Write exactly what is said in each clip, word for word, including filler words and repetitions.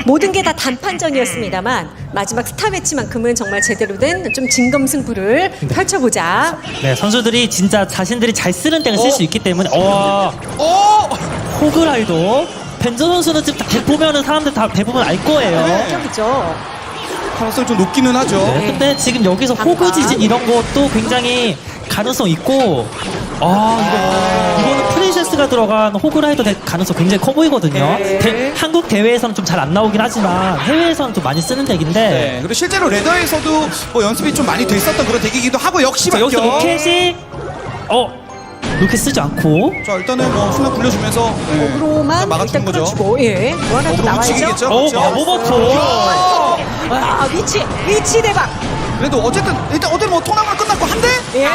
모든 게 다 단판전이었습니다만 마지막 스타 매치만큼은 정말 제대로 된 좀 진검승부를 펼쳐보자. 네, 선수들이 진짜 자신들이 잘 쓰는 때가 쓸 수 있기 때문에 어, 어! 호그라이더 벤저 선수는 지금 다 보면은 사람들 다 대부분 알 거예요. 네. 격이죠. 가능성이 좀 높기는 하죠. 네, 근데 지금 여기서 호그 지진 이런 것도 굉장히 가능성 있고 아 이거 이거는 프린세스가 들어간 호그라이더 될 가능성 굉장히 커 보이거든요. 네. 대- 한국 대회에서는 좀 잘 안 나오긴 하지만 해외에서는 좀 많이 쓰는 덱인데 네. 그리고 실제로 레더에서도 뭐 연습이 좀 많이 됐었던 그런 덱이기도 하고 역시 자, 여기서 막혀. 로켓이 어 로켓 쓰지 않고 자, 일단은 뭐 순간 굴려주면서 네. 으로만 일단 막아주는 거죠. 끌어주고 예. 뭐 하나 또 어그로 나와야죠. 묻히겠죠? 어 그렇죠? 마법버터 아, 위치 위치 대박. 그래도 어쨌든 일단 어쨌든 뭐 토너먼트 끝났고 한 대? 예.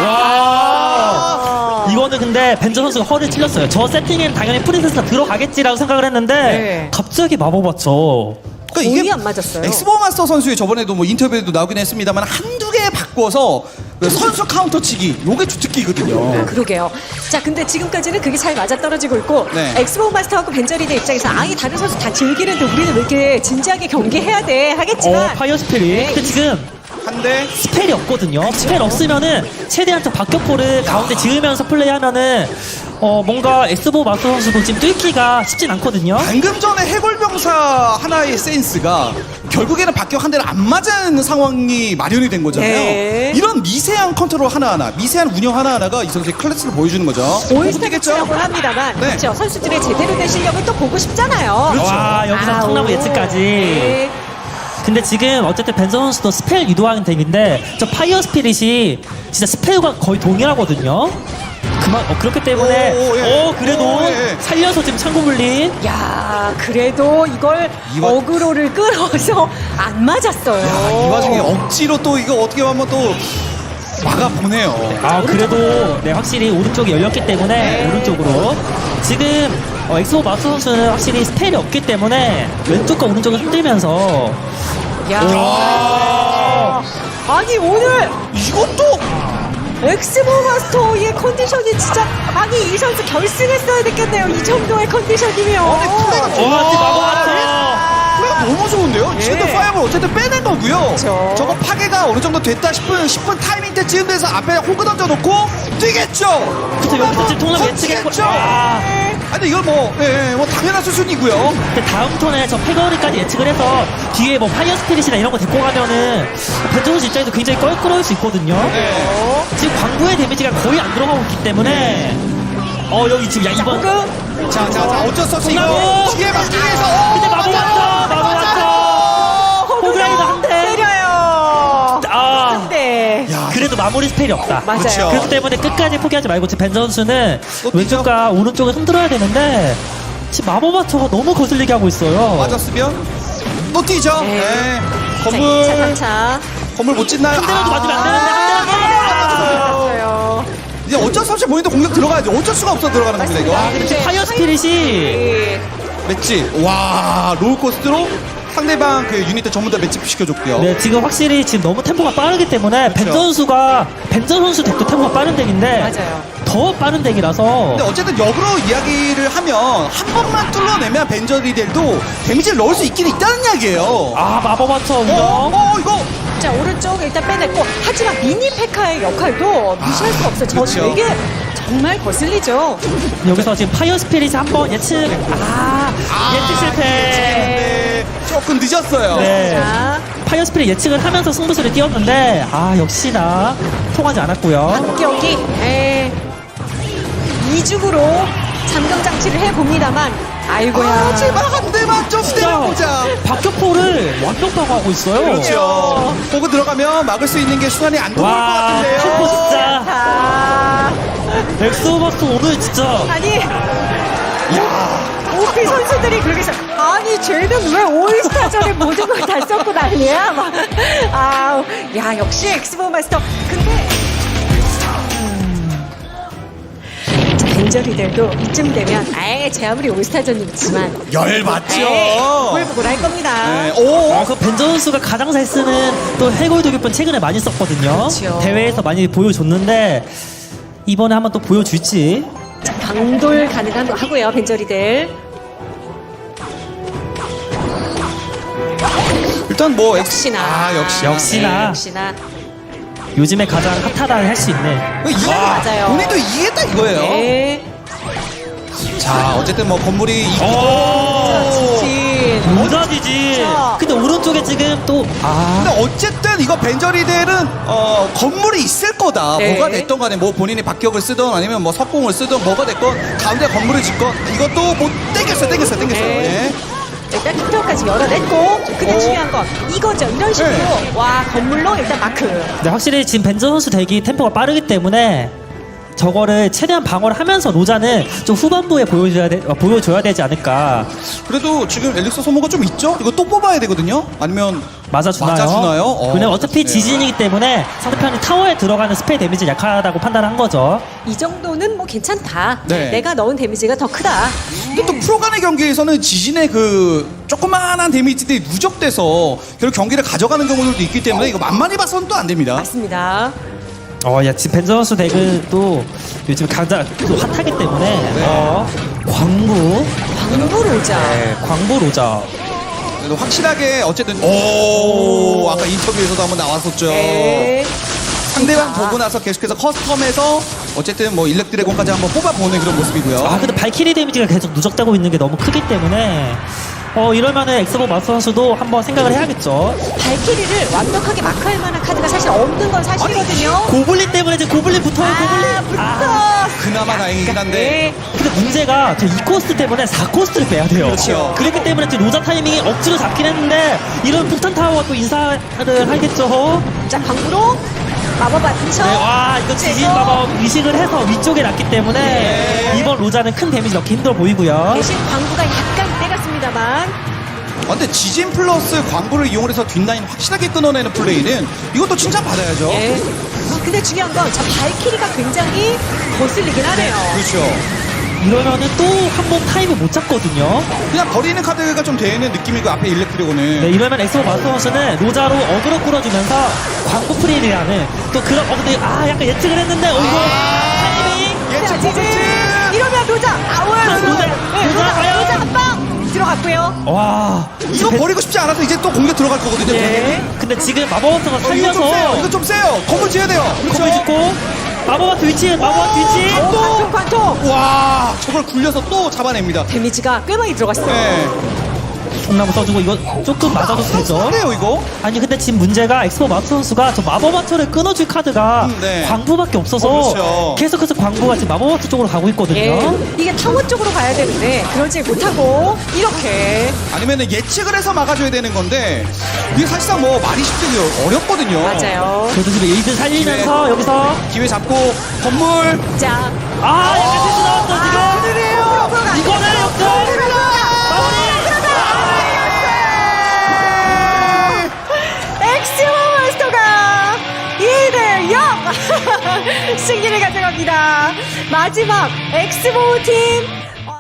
와 이거는 근데 벤저 선수가 허를 찔렸어요. 저 세팅엔 당연히 프린세스가 들어가겠지라고 생각을 했는데 네. 갑자기 마법버터 그러니까 거의 이게 안 맞았어요. 엑스보 마스터 선수의 저번에도 뭐 인터뷰에도 나오긴 했습니다만 한두 개 바꿔서 그 선수 카운터 치기 요게 주특기거든요. 그러게요. 자, 근데 지금까지는 그게 잘 맞아 떨어지고 있고 네. 엑스보 마스터하고 벤저리드 입장에서 아니 다른 선수 다 즐기는데 우리는 왜 이렇게 진지하게 경기해야 돼 하겠지만 어 파이어 스피릿 네. 근데 지금 한 대. 스펠이 없거든요. 스펠 없으면은 최대한 좀 박격포를 가운데 지으면서 플레이하면은 어 뭔가 엑스보 마스터 선수도 지금 뚫기가 쉽진 않거든요. 방금 전에 해골병사 하나의 센스가 결국에는 박격 한 대를 안 맞는 상황이 마련이 된 거잖아요. 네. 이런 미세한 컨트롤 하나하나, 미세한 운영 하나하나가 이 선수의 클래스를 보여주는 거죠. 올스타겠죠 합니다만 네. 그렇죠. 선수들의 제대로 된 실력을 또 보고 싶잖아요. 그렇죠. 와 여기서 아우. 통나무 예측까지. 네. 근데 지금 어쨌든 벤저 선수도 스펠 유도하는 덱인데 저 파이어 스피릿이 진짜 스펠과 거의 동일하거든요. 그만 어, 그렇기 때문에 오, 예. 어 그래도 오, 예. 살려서 지금 창고 물린. 야, 그래도 이걸 이 와- 어그로를 끌어서 안 맞았어요. 야, 이 와중에 억지로 또 이거 어떻게 보면 또 막아보네요. 아 그래도 네 확실히 오른쪽이 열렸기 때문에 오른쪽으로 지금 어, 엑스보 마스터 선수는 확실히 스펠이 없기 때문에 왼쪽과 오른쪽을 흔들면서 야. 아니 오늘 이것도 엑스보 마스터의 컨디션이 진짜 아니 이 선수 결승했어야 됐겠네요. 이 정도의 컨디션이면. 아니, 플레이가 와 마법마스터 플레이가 너무 좋은데요? 지금도 예. 파이어볼 어쨌든 빼낸 거고요. 그렇죠. 저거 파괴가 어느 정도 됐다 싶은 십 분 타이밍 때쯤 돼서 앞에 호그 던져놓고 뛰겠죠. 그래서 여기서 지금 통합 예측했고 던지겠죠. 아, 아니 이걸 뭐, 예, 예, 뭐 당연한 수준이고요. 근데 다음 턴에 저 패거리까지 예측을 해서 뒤에 뭐 파이어 스피릿이나 이런 거 데리고 가면은 벤저 선수 입장에서 굉장히 껄끄러울 수 있거든요. 네. 지금 광부의 데미지가 거의 안 들어가고 있기 때문에 어 여기 지금 야 이번 호그 자, 자, 자, 어쩔 수 없이 이거 통나무! 기회 막기 위해서. 어, 근데 마법 왔어 마법 왔어 호그라이더 한대 때려요. 아 네. 야, 그래도 마무리 스펠이 없다. 맞아요. 그렇죠. 그렇기 때문에 끝까지 포기하지 말고 지금 벤 선수는 또 뛰죠. 왼쪽과 오른쪽을 흔들어야 되는데 지금 마법 마초가 너무 거슬리게 하고 있어요. 맞았으면 또 뛰죠. 네. 네. 자, 건물, 차, 차, 차. 건물 못 짓나요? 한 대라도 맞으면 안 되는데 한 대라도 아, 맞았어요. 이제 어쩔 수 없이 본인도 공격 들어가야죠. 어쩔 수가 없어 들어가는 겁니다, 이거. 아, 근데 지금 파이어 스피릿이 네. 맷집. 와, 롤코스트로 상대방 그 유닛들 전부 다 맷집 시켜줬고요. 네, 지금 확실히 지금 너무 템포가 빠르기 때문에 벤 그렇죠. 선수가 벤저 선수 덱도 템포가 빠른 덱인데 맞아요. 더 빠른 덱이라서 근데 어쨌든 역으로 이야기를 하면 한 번만 뚫어내면 벤저리델도 데미지를 넣을 수 있긴 있다는 이야기예요. 아 마법 마초 어, 운영 어, 이거. 자, 오른쪽 일단 빼냈고 하지만 미니 페카의 역할도 무시할 수 없어요. 저는 그렇죠. 되게 정말 거슬리죠. 여기서 지금 파이어 스피릿이 한번 예측 아, 예측 실패. 네, 조금 늦었어요. 네. 자, 파이어 스피릿 예측을 하면서 승부수를 띄웠는데 아 역시나 통하지 않았고요. 경기 에, 이중으로 잠금 장치를 해봅니다만 아이고야. 아, 제발 한 대만 좀 때려보자. 박격포를 완벽하고 하고 있어요. 그렇죠. 보고 들어가면 막을 수 있는 게 순환이 안 돌아올 것 와, 같은데요. 슈퍼 진짜. 자, 엑소버스 오늘 진짜 아니 오피 선수들이 그렇게 해서 아니 쟤는 왜 올스타전에 모든 걸 다 썼고 난리야 막. 아, 야 역시 엑스보 마스터. 근데 벤저리들도 이쯤 되면 아예 제 아무리 올스타전이지만 열 맞죠. 보글보글 할 겁니다. 네. 오. 아, 그 벤저 선수가 가장 잘 쓰는 또 해골 도교편 최근에 많이 썼거든요. 그렇죠. 대회에서 많이 보여줬는데 이번에 한번 또 보여줄지. 자, 방돌 가능한 거 하고요 벤저리들. 일단 뭐 엑스- 역시나. 아 역시나. 역시나. 네, 역시나. 요즘에 가장 핫하다 할 수 있는. 이거 맞아요. 본인도 이해했다 이거예요. 네. 자 어쨌든 뭐 건물이 있고. 오! 지진. 모자지지. 진짜. 근데 오른쪽에 지금 또 아. 근데 어쨌든 이거 벤저리들은 어, 건물이 있을 거다. 네. 뭐가 됐던 간에 뭐 본인이 박격을 쓰던 아니면 뭐 석공을 쓰던 뭐가 됐건 가운데 건물을 짓건 이것도 못 땡겼어요. 땡겼어요. 땡겼어요. 네. 네. 일단 킥터까지 열어냈고 근데 오. 중요한 건 이거죠. 이런 식으로 네. 와 건물로 일단 마크. 근데 확실히 지금 벤저 선수 대기 템포가 빠르기 때문에 저거를 최대한 방어를 하면서 로자는 좀 후반부에 보여줘야 돼, 어, 보여줘야 되지 않을까. 그래도 지금 엘릭서 소모가 좀 있죠? 이거 또 뽑아야 되거든요? 아니면 맞아주나요? 맞아주나요? 어, 왜냐면 어차피 맞아주네요. 지진이기 때문에 상대편이 타워에 들어가는 스페이 데미지 약하다고 판단한 거죠. 이 정도는 뭐 괜찮다. 네. 내가 넣은 데미지가 더 크다. 근데 또 프로 간의 경기에서는 지진의 그 조그마한 데미지들이 누적돼서 결국 경기를 가져가는 경우들도 있기 때문에 이거 만만히 봐서는 또 안 됩니다. 맞습니다. 어, 야, 지금 벤저 선수 덱은 요즘 가장 또 핫하기 때문에 네. 어, 광부, 광부 로자. 네, 광부 로자. 그래도 확실하게 어쨌든 오 아까 인터뷰에서도 한번 나왔었죠. 네. 상대방 자. 보고 나서 계속해서 커스텀해서 어쨌든 뭐 일렉 드래곤까지 한번 뽑아보는 그런 모습이고요. 아, 근데 발키리 데미지가 계속 누적되고 있는 게 너무 크기 때문에 어, 이러면은 엑스보 마스터 선수도 한번 생각을 해야겠죠. 발키리를 완벽하게 마크할 만한 카드가 사실 없는 건 사실이거든요. 고블린 때문에 이제 고블린 붙어요, 아, 고블린. 붙어. 그나마 다행이긴 한데. 네. 근데 문제가 저 이 코스트 때문에 사 코스트를 빼야 돼요. 그렇죠. 그렇기 때문에 지금 로자 타이밍이 억지로 잡긴 했는데 이런 폭탄 타워가 또 인사를 하겠죠. 자, 광부로 마법 맞춰. 네, 와 이거 지진 마법 의식을 해서 위쪽에 놨기 때문에 네. 이번 로자는 큰 데미지 넣기 힘들어 보이고요. 대신 광부가 약간 빼갔습니다만. 아, 근데 지진 플러스 광부를 이용해서 뒷라인 확실하게 끊어내는 플레이는 이것도 칭찬받아야죠. 예. 아, 근데 중요한 건 저 발키리가 굉장히 거슬리긴 하네요. 그렇죠. 이러면은 또 한 번 타임을 못 잡거든요. 그냥 버리는 카드가 좀 되는 느낌이고 앞에 일렉 드래곤은. 네, 이러면 엑스보 마스터 선수는 로자로 어그로 끌어주면서 광고 프리라는 또 그런 어 근데 아 약간 예측을 했는데 어 이거 타이밍 예측 자, 지진. 포인트! 이러면 로자. 아, 왜 로자, 로자. 네, 로자 로자. 과연? 로자 한 방. 들어갔고요. 와 이거 버리고 싶지 않아서 이제 또 공격 들어갈 거거든요. 네. 근데 지금 마법원터가 어, 이거 좀 세요. 살려서 이거 좀 세요. 건물 지어야 돼요. 그렇죠. 건물 짓고 마법원터 위치 마법원터 위치 오, 관통, 관통. 와, 저걸 굴려서 또 잡아냅니다. 데미지가 꽤 많이 들어갔어요. 네. 통나무 써주고 이거 조금 맞아도 되죠. 세요 이거. 아니 근데 지금 문제가 엑스보 마스터 선수가 저 마법원터를 끊어줄 카드가 음, 네. 광부밖에 없어서 어, 그렇죠. 계속해서 광부가 지금 마법원터 쪽으로 가고 있거든요. 예. 이게 타워 쪽으로 가야 되는데 그러지 못하고 이렇게. 아니면은 예측을 해서 막아줘야 되는 건데 이게 사실상 뭐 말이 쉽지 어렵거든요. 맞아요. 그래도 지금 에이드 살리면서 네. 여기서 기회 잡고 건물. 자, 아 약간 실수 나왔어 지금. 그들이에요. 이거는 역전 마무리. 엑스모 마스터가 이 대 영 승리를 가져갑니다. 마지막 엑스모 팀